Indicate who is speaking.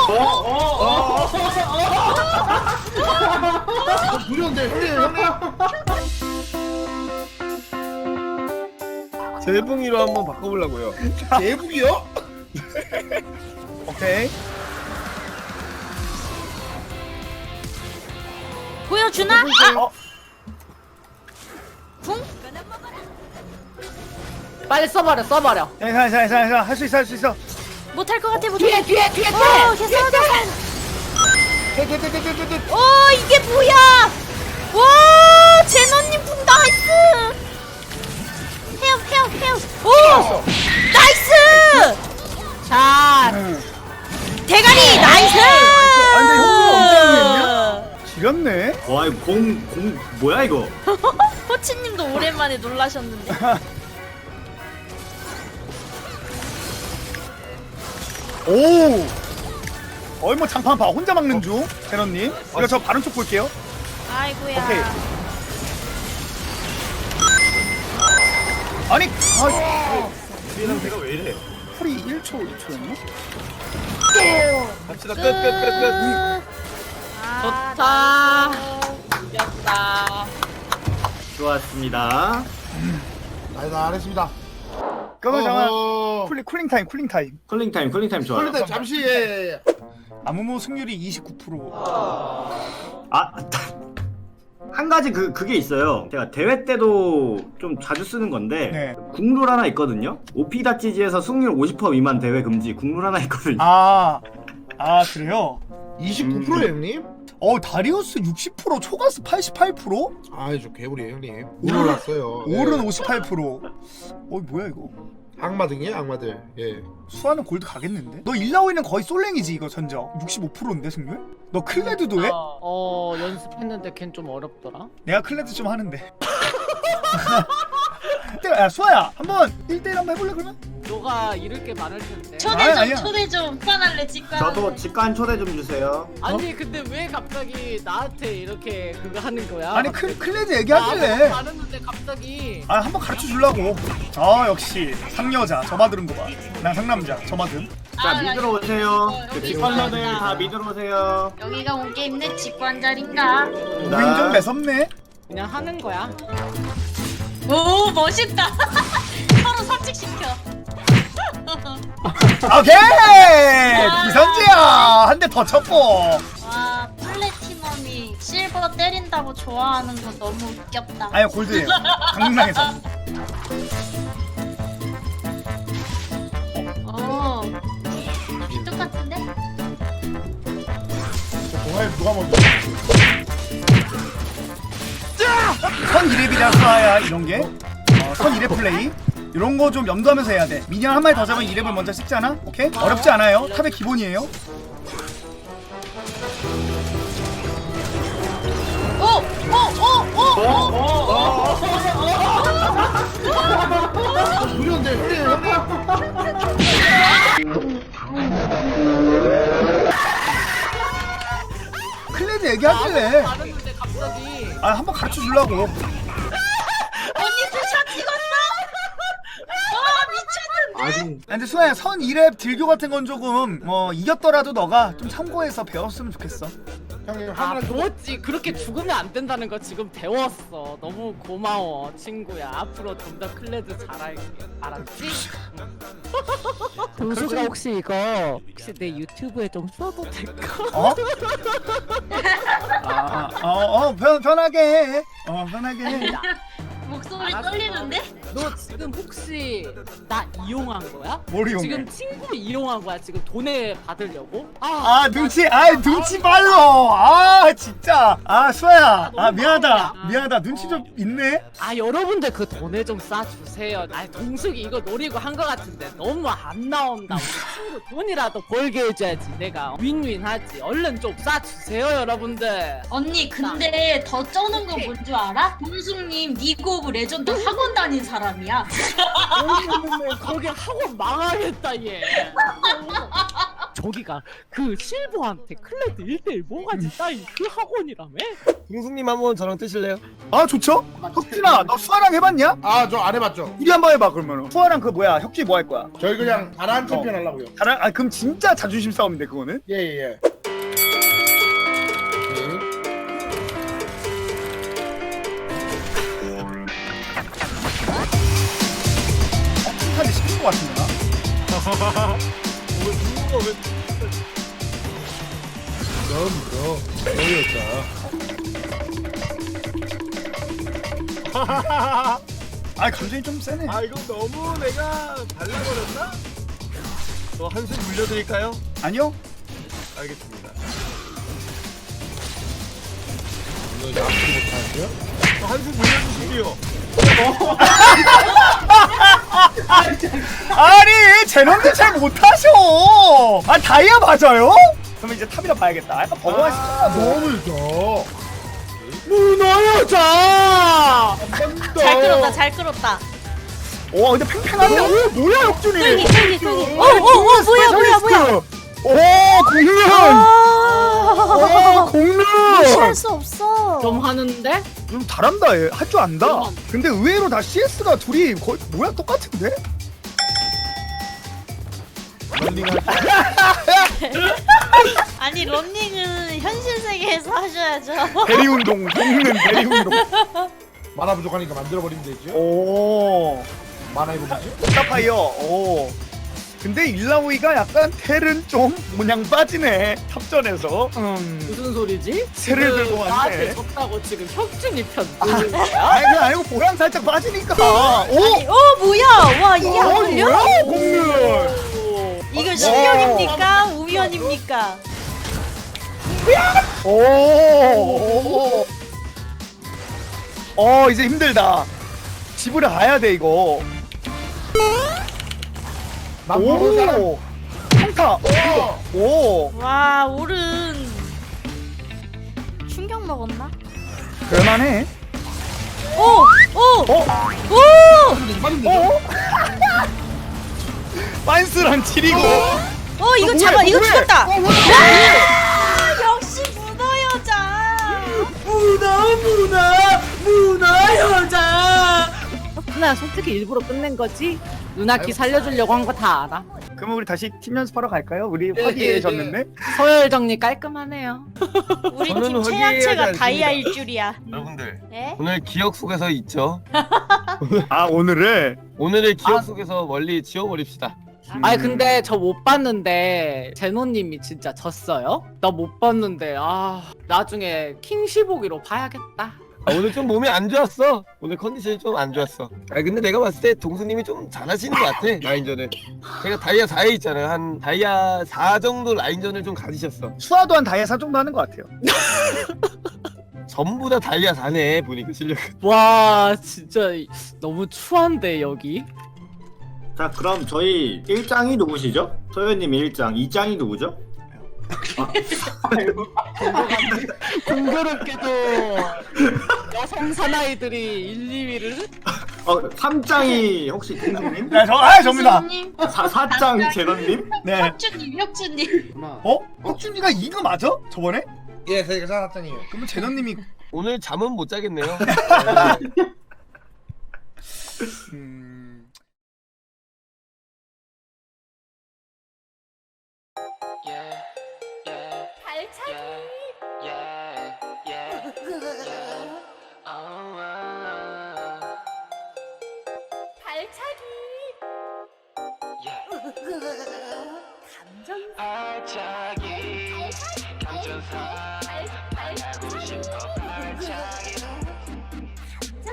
Speaker 1: 무료인데 형님.
Speaker 2: 재붕이로 한번 바꿔보려고요.
Speaker 1: 대북이요?
Speaker 2: 오케이.
Speaker 3: 보여주나? 아, 궁?
Speaker 4: 빨리 써버려.
Speaker 2: 자, 할 수 있어, 할 수 있어.
Speaker 3: 못할 것 같아, 못할
Speaker 4: 뒤에.
Speaker 3: 오, 됐어. 오, 이게 뭐야? 와, 제노님 궁 나이스. 헤어. 오, 나이스.
Speaker 4: 자,
Speaker 3: 대가리 나이스.
Speaker 2: 아, 근데 형님 엄청 지렸네.
Speaker 5: 와 이거 공 뭐야 이거?
Speaker 3: 호치님도 오랜만에 놀라셨는데.
Speaker 2: 오. 뭐 장판 봐. 혼자 막는 중. 제너님. 이거 저 바른 쪽 볼게요.
Speaker 3: 아이고야.
Speaker 2: 오케이. 아니,
Speaker 5: 뒤에 상태가 왜 이래?
Speaker 2: 풀이 1초였나?
Speaker 5: 갑시다
Speaker 3: 끝.
Speaker 4: 좋다. 이겼다.
Speaker 5: 좋았습니다.
Speaker 1: 나 알겠습니다.
Speaker 2: 그러면 잠깐
Speaker 1: 어허.
Speaker 2: 쿨링 타임.
Speaker 5: 쿨링 타임 좋아요.
Speaker 1: 그런데 잠시 예.
Speaker 2: 아무모 승률이 29%.
Speaker 5: 아, 한 가지 그게 있어요. 제가 대회 때도 좀 자주 쓰는 건데
Speaker 2: 네.
Speaker 5: 국룰 하나 있거든요. 오피다치지에서 승률 50% 미만 대회 금지 국룰 하나 있거든요.
Speaker 2: 아 그래요?
Speaker 1: 29%예요 형님?
Speaker 2: 다리우스 60%, 초가스 88%?
Speaker 1: 아이 저 개구리예요 형님. 올랐어요.
Speaker 2: 올은 58%. 뭐야 이거?
Speaker 1: 악마등이에요 악마들. 예.
Speaker 2: 수아는 골드 가겠는데? 너 일라오이는 거의 솔랭이지 이거 전적 65%인데 승률? 너 클레드도 해?
Speaker 4: 연습했는데 걘 좀 어렵더라.
Speaker 2: 내가 클레드 좀 하는데. 야 수아야 한번 1대1 한번 해볼래 그러면?
Speaker 4: 너가 잃을 게 많을 텐데.
Speaker 2: 아니야.
Speaker 3: 초대 좀 후반할래 직관.
Speaker 5: 저도 직관 초대 좀 주세요.
Speaker 4: 아니 근데 왜 갑자기 나한테 이렇게 그거 하는 거야?
Speaker 2: 아니
Speaker 4: 갑자기?
Speaker 2: 클레드
Speaker 4: 나
Speaker 2: 얘기하길래
Speaker 4: 아무것도 안 했는데 갑자기.
Speaker 2: 한번 가르쳐 주려고. 역시 상여자 저마 들은 거봐난 상남자 저마 든.
Speaker 5: 자 미드로 오세요. 그
Speaker 3: 여기
Speaker 5: 직관러들
Speaker 3: 있습니다.
Speaker 5: 다 미드로 오세요.
Speaker 3: 여기가 온 게임내 직관 자리인가?
Speaker 2: 우린 좀 매섭네.
Speaker 4: 그냥 하는 거야.
Speaker 3: 오, 멋있다. 서로 삽직시켜.
Speaker 2: 오케이 기선제야 한 대 더 쳤고.
Speaker 3: 와, 플래티넘이 실버 때린다고 좋아하는 거 너무 웃겼다.
Speaker 2: 아니 골드예요. 강릉에서.
Speaker 3: 오, 똑같은데?
Speaker 1: 동아리 누가 먼저?
Speaker 2: 선 2렙이라 수아야 이런 게. 선 2렙 플레이. 이런 거 좀 염두하면서 해야 돼. 미니언 한 마리 더 잡으면 2렙을 먼저 찍잖아. 오케이? 어렵지 않아요. 탑의 기본이에요.
Speaker 1: 무료인데 형님.
Speaker 2: 클레드 얘기하길래
Speaker 4: 안 했는데 갑자기.
Speaker 2: 한번 가르쳐 주려고.
Speaker 3: 언니도 샷 찍었어? 와, 미쳤는데?
Speaker 1: 아직
Speaker 2: 근데 수아야 선 2렙 딜교 같은 건 조금 이겼더라도 너가 좀 참고해서 배웠으면 좋겠어.
Speaker 1: 형님
Speaker 4: 아,
Speaker 1: 하나
Speaker 4: 그렇지. 그렇게 죽으면 안 된다는 거 지금 배웠어. 너무 고마워, 친구야. 앞으로 좀 더 클레드 잘할게. 알았지? 동수가 혹시 이거 내 유튜브에 좀 써도 될까?
Speaker 2: 편하게 해. 편하게 해.
Speaker 3: 목소리
Speaker 4: 알았어.
Speaker 3: 떨리는데?
Speaker 4: 너 지금 혹시 나 이용한 거야?
Speaker 2: 뭘 이용해?
Speaker 4: 지금 친구 이용한 거야? 지금 돈에 받으려고?
Speaker 2: 눈치 빨로. 진짜. 수아야. 미안하다. 눈치 좀 있네.
Speaker 4: 여러분들 그 돈에 좀 싸주세요. 동숙이 이거 노리고 한 거 같은데 너무 안 나온다. 우리 친구 돈이라도 벌게 해줘야지. 내가 윈윈하지. 얼른 좀 싸주세요, 여러분들.
Speaker 3: 언니, 근데 더 쩌는 거 뭔 줄 알아? 동숙님 리그 오브 레전드 학원 다닌 사람이야.
Speaker 4: 거기 학원 망하겠다 얘. 저기가 그 실버한테 클레드 1대1 뭐가지 따인 그 학원이라며?
Speaker 6: 동숙님 한번 저랑 뜨실래요?
Speaker 2: 아 좋죠? 혁준아 너 수아랑 해봤냐?
Speaker 1: 아 저 안 해봤죠.
Speaker 2: 우리 한번 해봐 그러면. 수아랑 그 뭐야 혁준이 뭐 할 거야?
Speaker 1: 저희 그냥 바란 챔피언 하려고요.
Speaker 2: 다른 아 그럼 진짜 자존심 싸움인데 그거는?
Speaker 1: 예예예.
Speaker 2: 칭찬이 시킨 거 같은데 나?
Speaker 1: 너무 어이없다.
Speaker 2: 아 감정이 좀 세네.
Speaker 6: 아 이거 너무 내가 발라버렸나? 저 한숨 물려드릴까요?
Speaker 2: 아니요?
Speaker 6: 알겠습니다.
Speaker 1: 이거 이제 앞으로 못하는데요?
Speaker 6: 저 한숨 물려주시고요.
Speaker 2: 아니 제놈들 잘 못하셔. 아 다이아 맞아요? 그럼 이제 탑이라 봐야겠다. 약간 버거워 시켰나 뭐.
Speaker 1: 너무 져.
Speaker 4: 문어여자!
Speaker 7: 잘 끌었다 잘 끌었다.
Speaker 2: 와 근데 팽팽한데. 오 뭐야 혁준이?
Speaker 7: 쫄기. 오 뭐야.
Speaker 2: 오 공룡. 오 공룡.
Speaker 7: 무시할 수 없어.
Speaker 4: 좀 하는데?
Speaker 2: 좀 잘한다 얘. 할 줄 안다. 근데 의외로 다 CS가 둘이 거의 뭐야 똑같은데?
Speaker 7: 아니 런닝은 현실 세계에서 하셔야죠.
Speaker 2: 대리 운동 먹는 대리 운동.
Speaker 1: 만화 부족하니까 만들어버리면 되죠.
Speaker 2: 오.
Speaker 1: 만화 이거 뭐지?
Speaker 2: 스타파이어. 오. 근데 일라오이가 약간 텔은 좀 모냥 빠지네 탑전에서.
Speaker 4: 무슨 소리지?
Speaker 2: 새를
Speaker 4: 지금
Speaker 2: 들고 왔네.
Speaker 4: 나한테 졌다고 지금 혁준이 편 드는 거야?
Speaker 2: 아니 그냥 아니고 보람 살짝 빠지니까. 오.
Speaker 7: 뭐야. 와 이게 안 걸려?
Speaker 2: 뭐야 공룡.
Speaker 7: 이거 실력입니까? 우연입니까?
Speaker 2: 오. 이제 힘들다. 집으로 가야 돼 이거.
Speaker 1: 남부로 사람.
Speaker 2: 오. 평타. 오.
Speaker 7: 와 오른 충격 먹었나?
Speaker 2: 그럴만해.
Speaker 7: 오!
Speaker 2: 어? 빤스랑 치리고.
Speaker 7: 이거 잡아 이거
Speaker 2: 뭐해?
Speaker 7: 죽었다. 역시 문어 여자.
Speaker 4: 문어여자! 누나 솔직히 일부러 끝낸 거지? 누나키 살려주려고 한 거 다 알아.
Speaker 2: 그럼 우리 다시 팀 연습하러 갈까요? 우리 화기애애졌는데.
Speaker 4: 서열 정리 깔끔하네요.
Speaker 7: 우리
Speaker 6: 저는
Speaker 7: 팀
Speaker 6: 허기해야지
Speaker 7: 최하체가
Speaker 6: 않습니다.
Speaker 7: 다이아일 줄이야.
Speaker 6: 여러분들
Speaker 7: 네?
Speaker 6: 오늘 기억 속에서 있죠.
Speaker 2: 아 오늘을.
Speaker 6: 오늘의 기억 속에서 멀리 지워버립시다.
Speaker 4: 아니 근데 저 못 봤는데 제노님이 진짜 졌어요? 나 못 봤는데 나중에 킹15기로 봐야겠다.
Speaker 6: 오늘 좀 몸이 안 좋았어. 오늘 컨디션이 좀 안 좋았어. 근데 내가 봤을 때 동수님이 좀 잘하시는 것 같아 라인전을. 제가 다이아 4에 있잖아요. 한 다이아 4 정도 라인전을 좀 가지셨어.
Speaker 2: 수아도 한 다이아 4 정도 하는 것 같아요.
Speaker 6: 전부 다 다이아 4네 보니까 실력.
Speaker 4: 와 진짜 너무 추한데 여기.
Speaker 5: 자 그럼 저희 1장이 누구시죠? 소연님이 1장, 2장이 누구죠?
Speaker 4: 공교롭게도 여성 사나이들이 1, 2위를
Speaker 5: 3장이 혹시 동수님?
Speaker 2: 네, 접니다.
Speaker 3: 교수님,
Speaker 5: 4장 재런님?
Speaker 2: 네.
Speaker 3: 혁준님.
Speaker 2: 혁준이가 이거 맞아? 저번에?
Speaker 1: 예, 저희가 살았잖아요.
Speaker 2: 그러면 재현님이.
Speaker 6: 오늘 잠은 못 자겠네요.
Speaker 7: 발차기.
Speaker 8: 감정사